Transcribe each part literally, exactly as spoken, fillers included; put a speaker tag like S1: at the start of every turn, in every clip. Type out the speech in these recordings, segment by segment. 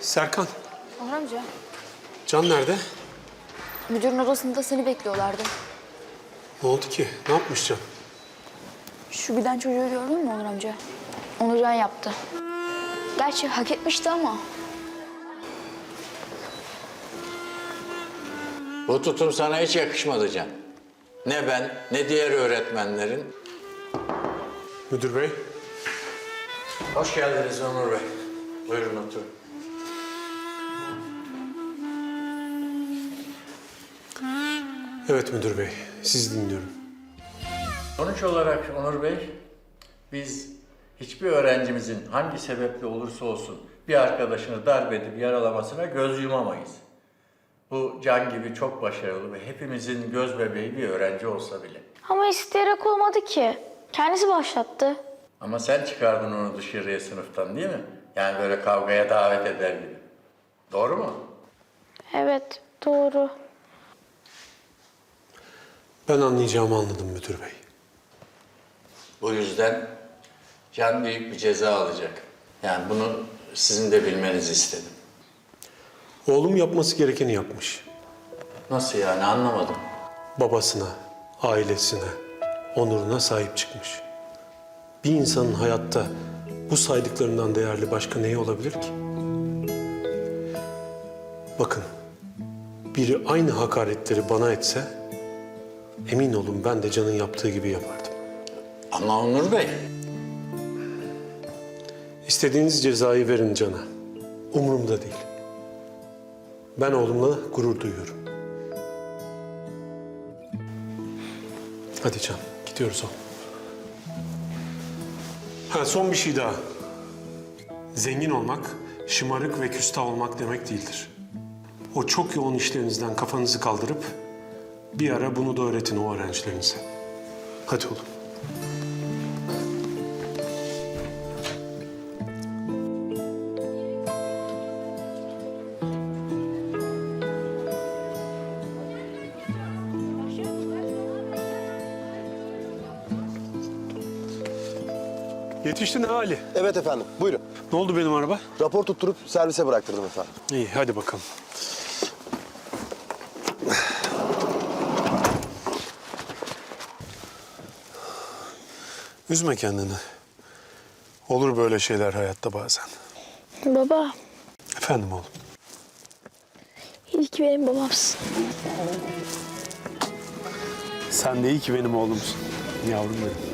S1: Serkan,
S2: Onur amca,
S1: Can nerede?
S2: müdürün odasında seni bekliyorlardı.
S1: Ne oldu ki? Ne yapmış Can?
S2: Şu giden çocuğu gördün mü Onur amca? Onurcan yaptı. Gerçi hak etmişti ama.
S3: Bu tutum sana hiç yakışmadı Can. Ne ben, ne diğer öğretmenlerin.
S1: Müdür bey.
S3: Hoş geldiniz Onur Bey. Buyurun oturun.
S1: Evet müdür bey, sizi dinliyorum.
S3: Sonuç olarak Onur Bey, biz hiçbir öğrencimizin hangi sebeple olursa olsun bir arkadaşını darp edip yaralamasına göz yumamayız. Bu Can gibi çok başarılı ve hepimizin göz bebeği bir öğrenci olsa bile.
S4: Ama isteyerek olmadı ki. Kendisi başlattı.
S3: Ama sen çıkardın onu dışarıya sınıftan değil mi? Yani böyle kavgaya davet eder gibi. Doğru mu?
S4: Evet, doğru.
S1: Ben anlayacağımı anladım müdür bey.
S3: Bu yüzden Can büyük bir ceza alacak. Yani bunu sizin de bilmenizi istedim.
S1: Oğlum yapması gerekeni yapmış.
S3: Nasıl yani anlamadım.
S1: Babasına, ailesine, onuruna sahip çıkmış. Bir insanın hayatta bu saydıklarından değerli başka neyi olabilir ki? Bakın, biri aynı hakaretleri bana etse, emin olun ben de Can'ın yaptığı gibi yapardım.
S3: Ama Onur Bey.
S1: İstediğiniz cezayı verin Can'a. Umurumda değil. Ben oğlumla gurur duyuyorum. Hadi Can, gidiyoruz oğlum. Ha, son bir şey daha. Zengin olmak, şımarık ve küstah olmak demek değildir. O çok yoğun işlerinizden kafanızı kaldırıp bir ara bunu da öğretin o öğrencilerinize. Hadi oğlum. Yetiştin ha Ali.
S5: Evet efendim, buyurun.
S1: Ne oldu benim araba?
S5: Rapor tutturup servise bıraktırdım efendim.
S1: İyi, hadi bakalım. Üzme kendini. Olur böyle şeyler hayatta bazen.
S4: Baba,
S1: Efendim oğlum.
S4: iyi ki benim babamsın.
S1: Sen de iyi ki benim oğlumsun. Yavrum benim.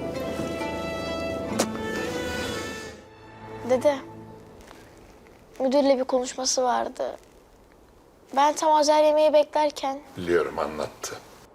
S4: Dede, müdürle bir konuşması vardı. Ben tam özel yemeği beklerken
S6: Biliyorum, anlattı.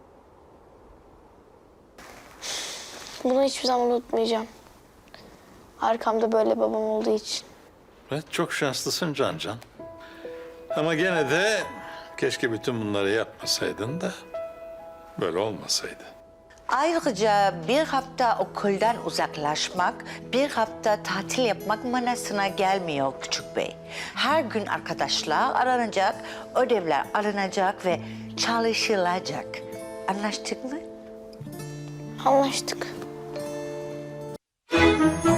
S4: bunu hiçbir zaman unutmayacağım. Arkamda böyle babam olduğu için.
S6: Evet, çok şanslısın Can Can. Ama gene de keşke bütün bunları yapmasaydın da böyle olmasaydı.
S7: Ayrıca bir hafta okuldan uzaklaşmak, bir hafta tatil yapmak manasına gelmiyor Küçük Bey. Her gün arkadaşlar aranacak, ödevler alınacak ve çalışılacak. Anlaştık mı?
S4: Anlaştık.